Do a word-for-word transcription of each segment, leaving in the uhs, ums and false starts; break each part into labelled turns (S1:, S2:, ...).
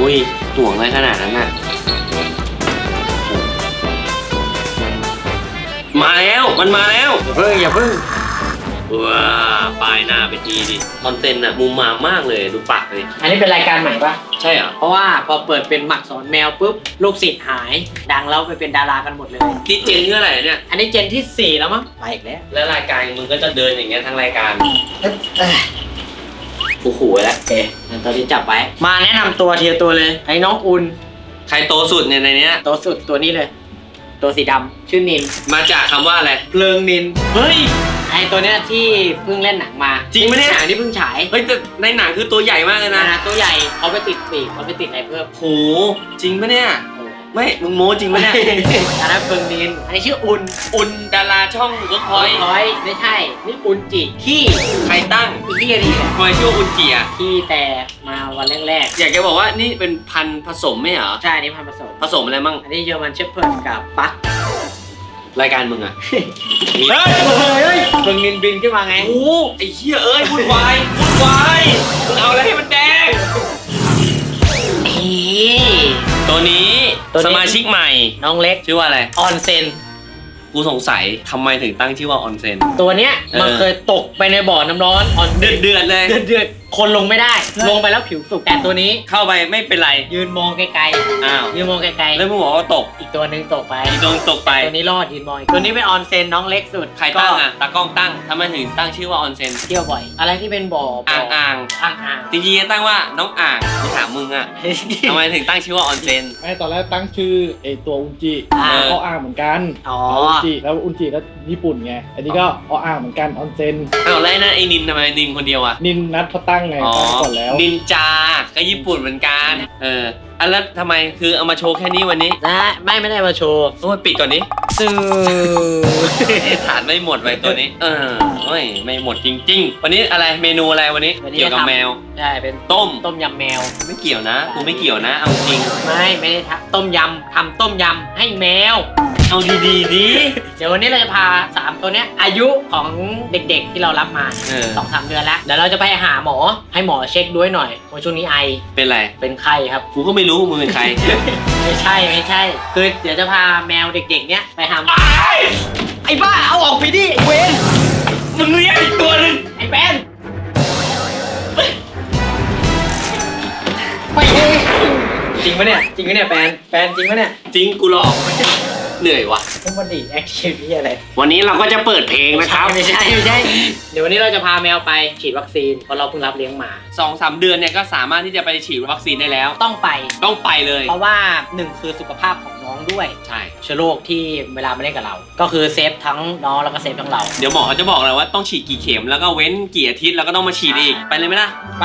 S1: อ้ยห่วงอะไรขนาดนั้นน่ะมาแล้วมันมาแล้ว
S2: เพิ่งอย่าเพิ่ง
S1: ว้าป้ายหน้าไปทีดิคอนเทนต์อะมุมมามากเลยดูปากเลย
S2: อันนี้เป็นรายการใหม่ปะ
S1: ใช่เหรอ
S2: เพราะว่าพอเปิดเป็นหมักสอนแมวปุ๊บลูกศิษย์หายดังแล้วไปเป็นดารากันหมดเลย
S1: นี่เจนที่เท่าไหร่เนี่ย
S2: อันนี้เจนที่สี่แล้วมั้งไปอีกแล้ว
S1: แล้วรายการมึงก็จะเดินอย่างเงี้ยทั้งรายการกูขู่แล้ว
S2: เอ๊ะตอนนี้จับไว้มาแนะนำตัวทีละตัวเลยไอ้น้องอุ่น
S1: ใครโตสุดเนี่ยในเนี้ย
S2: โตสุดตัวนี้เลยตัวสีดำชื่อนิน
S1: มาจากคำว่าอะไร
S2: เพลิงนินเฮ้ยไอตัวเนี้ยที่เพิ่งเล่นหนังมา
S1: จริงไหมเนี่ย
S2: หนังที่เพิ่งฉาย
S1: เฮ้ยแต่ในหนังคือตัวใหญ่มากเลยนะ
S2: ตัวใหญ่เขาไปติดปีกเขาไปติดอะไรเพิ่ม
S1: โหจริงปะเนี่ยไม่มึงโม้จริงปะเนี่ย
S2: อันนั้นเพลิงนินอันนี้ชื่ออุ่น
S1: อุ่นดาราช่องก็คอย
S2: คอยไม่ใช่นี่อุ่นจีขี้
S1: ใครตั้ง
S2: ขี้อะไรเนี่ย
S1: คอยชื่ออุ่นจีอ่ะ
S2: ขี้แต่มาวันแรก
S1: ๆอยากจะบอกว่านี่เป็นพันธุ์ผสมไหมเหรอ
S2: ใช่นี่พันธุ์ผสม
S1: ผสมอะไรมั่ง
S2: อันนี้เยอรมันเชฟเพิร์ดกับปัก
S1: รายการมึงอะเฮ้
S2: ยเฮ้ยมึงนินบินขึ้นมาไง
S1: โอ้ไอ้เหี้ยเอ้ยวุ่นวายวุ่นวายมึงเอาอะไรให้มันแดงตัวนี้สมาชิกใหม่
S2: น้องเล็ก
S1: ชื่อว่าอะไร
S2: ออนเซน
S1: กูสงสัยทำไมถึงตั้งชื่อว่าออนเซน
S2: ตัวเนี้ยมันเคยตกไปในบ่อน้ำร้อนออน
S1: เดือดเดือดเลย
S2: เดือดเดือดคนลงไม่ได้ลงไปแล้วผิวสุกแต่ตัวนี้
S1: เข้าไปไม่เป็นไร
S2: ยืนมองไกลๆ
S1: อ้าว
S2: ยืนมองไกล
S1: ๆแล้วมึงบอกว่าตก
S2: อีกตัวนึงตกไป
S1: อีกตัวตกไป
S2: ตัวนี้รอดยืนมองตัวนี้เป็นออนเซนน้องเล็กสุด
S1: ใครตั้งอ่ะตากล้องตั้งทำไมถึงตั้งชื่อว่าออนเซน
S2: เที่ยวบ่อยอะไรที่เป็นบ่อ
S1: อ่างอ่าง
S2: อ่างอ่าง
S1: จริงๆตั้งว่าน้องอ่างกูถามมึงอ่ะทำไมถึงตั้งชื่อว่าออนเซน
S3: ไม่ตอนแรกตั้งชื่อไอตัวอุนจิเขาอ่างเหมือนกัน
S2: อ๋อ
S3: อุนจิแล้วอุนจิก็ญี่ปุ่นไงอันนี้ก็ออ่างเหมือนกันออนเซน
S1: อ้าวแล้วนั่นไอ้นินทำไมนินคนเดียวอ่ะ
S3: นินนัดเขาตั้งไงตั้งก่อนแล้ว
S1: นินจาก็ญี่ปุ่นเหมือนกันเอออันแล้วทำไมคือเอามาโชว์แค่นี้วันนี้
S2: นะไม่ไม่ได้มาโชว์
S1: โอ้ยปิดก่อนนี้
S2: ซื้อ
S1: ฐานไม่หมดไว้ตัวนี้เออไม่ไม่หมดจริงๆวันนี้อะไรเมนูอะไรวันนี้เกี่ยวกับแมว
S2: ใช่เป็น
S1: ต้ม
S2: ต้มยำแมว
S1: ไม่เกี่ยวนะกูไม่เกี่ยวนะเอาจริง
S2: ไม่ไม่ได้ทำต้มยำทำต้มยำให้แมว
S1: เอาดีๆดิ
S2: เดี๋ยววันนี้เราจะพาสามตัวเนี้ยอายุของเด็กๆที่เรารับมาสองสามเดือนแล้วเดี๋ยวเราจะไปหาหมอให้หมอเช็คด้วยหน่อยว่าช่วงนี้ไอ
S1: เป็นไร
S2: เป็นไข้ครับ
S1: กูก็ไม่รู้มึงเป็นใคร
S2: ไม่ใช่ไม่ใช่คือเดี๋ยวจะพาแมวเด็กๆเนี้ยไปหาไอ้บ้าเอาออกไปดิเวน
S1: มึงเลี้ยงอีกตัวนึง
S2: ไอ้แปนไปจริงปะเนี่ยจริงปะเนี่ยแปนแปนจริงปะเนี่ย
S1: จริงกูหลอกเหนื่อยว่ะ
S2: ต้องมาดีแอคชั่นนี่อะไร
S1: วันนี้เราก็จะเปิดเพลงนะครับ
S2: ไม่ใช่ไม่ใช่เดี๋ยววันนี้เราจะพาแมวไปฉีดวัคซีนเพราะเราเพิ่งรับเลี้ยงมา
S1: สองสาม เดือนเนี่ยก็สามารถที่จะไปฉีดวัคซีนได้แล้ว
S2: ต้องไป
S1: ต้องไปเลย
S2: เพราะว่าหนึ่งคือสุขภาพของน้องด้วย
S1: ใช่
S2: เชื้อโรคที่เวลามาเล่นกับเราก็คือเซฟทั้งน้องแล้วก็เซฟทั้งเรา
S1: เดี๋ยวหมอเขาจะบอกเลยว่าต้องฉีดกี่เข็มแล้วก็เว้นกี่อาทิตย์แล้วก็ต้องมาฉีดอีกไปเลยไหมล่ะ
S2: ไป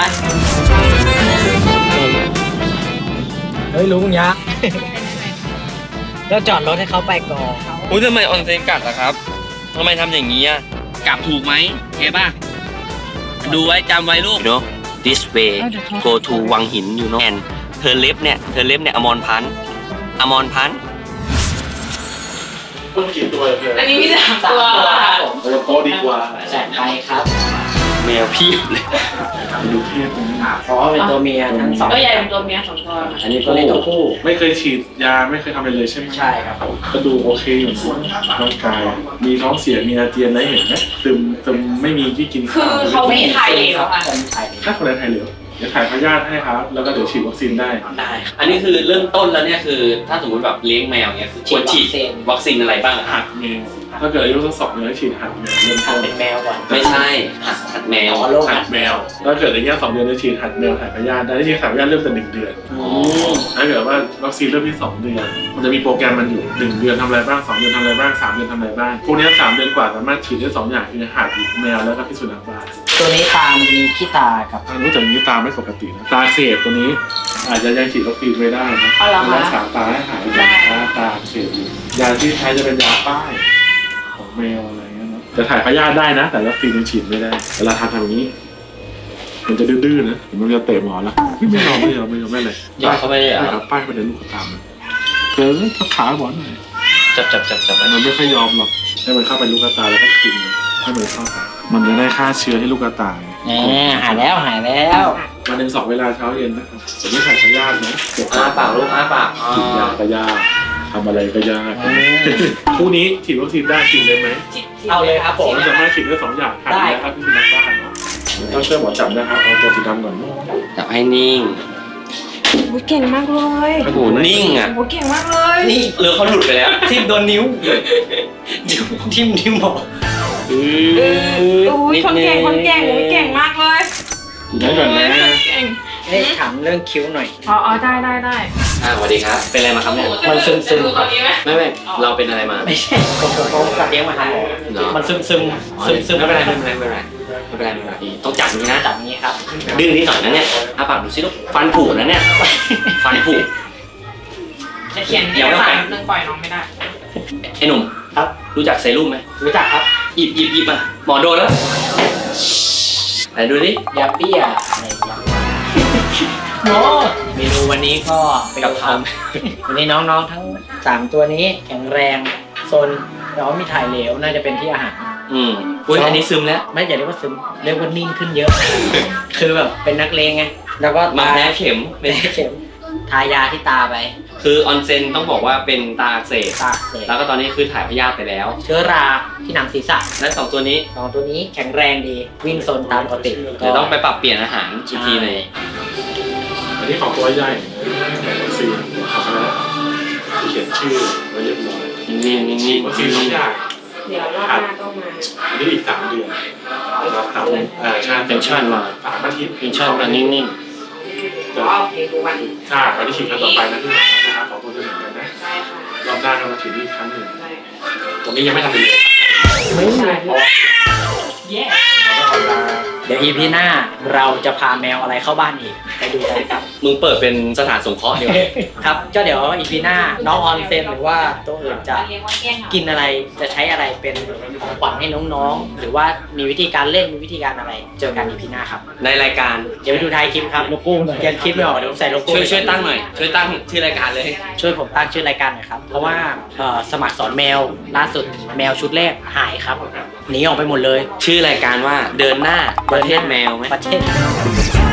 S2: เฮ้ยลุงยักษ์แล้วจอดรถให้เขาไปก่อน
S1: อุ้ยทำไมออนเซนกัดล่ะครับทำไมทำอย่างนี้อ่ะกลับถูกไหมโอเคป่ะดูไว้จำไว้ลูก you know this way go to วังหิน you know and เธอเล็บเนี่ยเธอเล็บเนี่ยอมรพันธ์อมรพันธ์
S3: ต้องกี่ตัวเลย
S2: อันนี้มีสามตัว
S3: โอ้โตดีกว่า
S2: แสนไปครับ
S1: แมวพี่เลย
S3: ดูเทียบกันนะ
S2: เพราะเป็นตัวเมียทั้งสอง
S4: ก็ใหญ่เป็นตัวเมียสองตัว
S2: อันนี้ตัวเล็กตัวผู้
S3: ไม่เคยฉีดยาไม่เคยทำอะไรเลยใช่ไหม
S2: ใช่ครับ
S3: ก็ดูโอเคอยู่ร่างกายมีท้องเสียมีอาเจียนอะไรเห็นไหมซึมซึมไม่มีที่กิน
S4: คือเขาไม่ถ่ายเหลวค่ะ
S3: ถ้าคนไหนถ่ายเหลวเดี๋ยวถ่ายพยาธิให้ครับแล้วก็เดี๋ยวฉีดวัคซีนได้
S2: ได้
S1: อันนี้คือเริ่มต้นแล้วเนี่ยคือถ้าสมมติแบบเลี้ยงแมวเนี่ยคือควรฉีดวัคซีนอะไรบ้าง
S3: หัดแมวถ้าเกิดอายุสักสองเดือนฉีดหัดแมวเริ่มต้น
S2: เป็นแมวก่อน
S1: ไม่ใช่หัดหัดแมว
S3: หัดแมวถ้าเกิดอายุสองเดือนจะฉีดหัดแมวถ่ายพยาธิได้ที่ถ่ายพยาธิเริ่มแต่หนึ่งเดือนถ้าเกิดว่าวัคซีนเริ่มที่สองเดือนมันจะมีโปรแกรมมันอยู่หนึ่งเดือนทำอะไรบ้างสองเดือนทำอะไรบ้างสามเดือนทำอะไรบ้างพวกนี้สามเดือนกว่าสามารถฉีดได้สองอย่างคือหัดแมวแล้วก็พิษสุนัขบ้า
S2: ตัวนี้ตามันจะมีขี้ตาครับ
S3: รู้จักนี้ตาไม่ปกตินะตาเสียบตัวนี้อาจจะยังฉีดวัคซีนไว้ได้นะรักษาตาให้หายจากตาเสียบยาที่ใช้จะเป็นยาป้ายของแมวอะไรเงี้ยนะจะถ่ายพยาธิได้นะแต่วัคซีนยังฉีดไม่ได้เวลาทำทำอย่างนี้มันจะดื้อๆนะมันจะเตะหมอแล้วไม่ยอมไม่ยอมไม่ยอมไม่เลย
S1: ยอมเขาไม่ได้เหรอ
S3: ป้ายไปเดินลูกตามมันเจอทับขาหมอหน่อย
S1: จับจับจับจับ
S3: มันไม่ค่อยยอมหรอกให้มันเข้าไปลูกตาแล้วก็กินให้มันเข้าไปมันจะได้ฆ่าเชื้อให้ลูกตา
S2: แหมหายแล้วหายแล้ว
S3: กวันหนึ่งสองเวลาเช้าเย็นนะครับแต่ไม่ถ่ายพยาธินะเจ็บ
S1: อ้าปากลูกอ้าปากอ๋อ
S3: ฉีดยาก็ยากทำอะไรก็ยากคู่นี้ฉีดวัคซีนได้ฉีดเลยไหม
S2: เอาเลยครับผม
S3: ผมสามารถฉีดได้สองอย่างหายแล้วครับที่สุนัขบ้านเนาะต้องช่วยหมอจับนะครับเอาตัวสีดำก่อน
S1: จับให้นิ่ง
S4: โอ้ยเก่งมากเลย
S1: โอ้โหนิ่งอ่ะ
S4: โอ้ยเก่งมากเลย
S2: นี่
S1: หรือเขาหลุดไปแล้ว
S2: ทิ่มโดนนิ้วนิ้วทิ่มนิ้วหมอ
S1: อื
S4: เออโอ้ยคนเก่งคนเก่งโอ้ยเก่งมากเลย
S3: ได้ก่อนนะ
S4: เก่ง
S2: เฮ้ยถามเรื่องคิ้วหน่อย
S4: อ๋ออ๋อได้ได้ได้
S1: อ่าสวัสดีครับ เป็นอะไรมาครับเนี่ย
S2: มันซึมซึม
S4: ดูตอนนี้ไหม
S1: ไม่ไม่เราเป็นอะไรมา
S2: ไม่ใช่ผมผมผมสัตว์เลี้ยงมาหาหมอ
S1: เหรอ
S2: มันซึมซึม
S1: อ๋อ
S2: ซึมซึม
S1: ไม่เป็นไรไม่เป็นไรไม่เป็นไรไม่เป็นไรไม่เป็นไรต้องจับอย่างนี้นะ
S2: จับอย่างนี้ครับ
S1: ดื้อนิดหน่อยนะเนี่ยอ้าปากดูสิลูกฟันผุนะเนี่ยฟันผุ
S4: จะเขียน
S1: เดี๋ยวไม่
S4: ใส่
S1: แปะ
S4: เรื่องปล่อยน้องไม่ได้
S1: ไอ้หนุ่ม
S2: ครับ
S1: รู้จักเซรุ่มไหม
S2: รู้จักครับ
S1: หยิบหยิบหยิบมาหมอโดนแล้วไหนดูดิ
S2: ยาเปี้ยอะไรอย่างเงี้ยโอ้เมนูวันนี้ก็เป็นกับทำวันนี้น้องๆทั้งสามตัวนี้แข็งแรงโซนน้องมีถ่ายเหลวน่าจะเป็นที่อาหาร
S1: อืมอุ้ยอันนี้ซึมแล้ว
S2: ไม่อย่าเรียกว่าซึมเรียกว่านิ่งขึ้นเยอะ คือแบบเป็นนักเลงไงแล้วก็
S1: มา
S2: ตา
S1: แพ้เข็มเป็น
S2: แพ้เข็มทายาที่ตาไป
S1: คือออนเซนต้องบอกว่าเป็นตาอักเสบ
S2: ตาเส
S1: แล้วก็ตอนนี้คือถ่ายพยาธิไปแล้ว
S2: เชื้อราที่หนังศีรษะ
S1: และสองตัวนี้
S2: สองตัวนี้แข็งแรงดีวิ่งโซนตามปกติ
S1: เดี๋ยวต้องไปปรับเปลี่ยนอาหารอีกทีหนึง
S3: อันนี้ของตัวใหญ่แบบวัคซีนทำแล้วเขียนชื่อไว้เรียบร้อย
S1: นิ่งๆนิ่งๆ
S3: วัคซีนสองอย่าง
S4: เดี๋ยวรอบหน้าก็มา
S3: อันนี้อีกสามเดือนเราทำอ่าใช่
S1: เป็นชั่นมา
S3: สามอาทิตย์
S1: เป็นชั่นมานิ่ง
S4: อ๋อโอเคดูวัน
S3: ใช่วันที่ฉีดครั้งต่อไปนะที่หลังนะครับของตัวเดือนเหมือนกันนะ
S4: ได้ค่ะ
S3: รอบหน้าก็มาฉีดอีกครั้งหนึ่ง
S4: ได้
S3: ตรงนี้ยังไม่ทำเลย
S2: ไม่มี
S3: เพราะว่า
S4: เย้
S3: เราต้องเอาเวลา
S2: เดี๋ยว อี พี หน้าเราจะพาแมวอะไรเข้าบ้านอีกไปดูกันครับ
S1: ๆมึงเปิดเป็นสถานสงเคราะห์เดียว
S2: ครับก็เดี๋ยว อี พี หน้าน้องออนเซนหรือว่าตัวอื่นจะ
S4: เรียกว่าเก้งเหรอ
S2: กินอะไรจะใช้อะไรเป็นของขวัญให้น้องๆ หรือว่ามีวิธีการเล่นมีวิธีการอะไร เจอกัน อี พี หน้าครับ
S1: ในรายการ
S2: เดี๋ยวไปดูท้ายคลิปครับโลโก้หน่อยเขียนคลิปไม่ออกเดี๋ยวผมใส่โลโก้
S1: ช่วยช่วยตั้งหน่อย ช่วยตั้งชื่อรายการเลย
S2: ช่วยผมตั้งชื่อรายการหน่อยครับ เพราะว่าเอ่อสมัครสอนแมวล่าสุดแมวชุดแรกหายครับหนีออกไปหมดเลย
S1: ชื่อรายการว่าเดินหน้าประเทศแมวไหม
S2: ประเทศ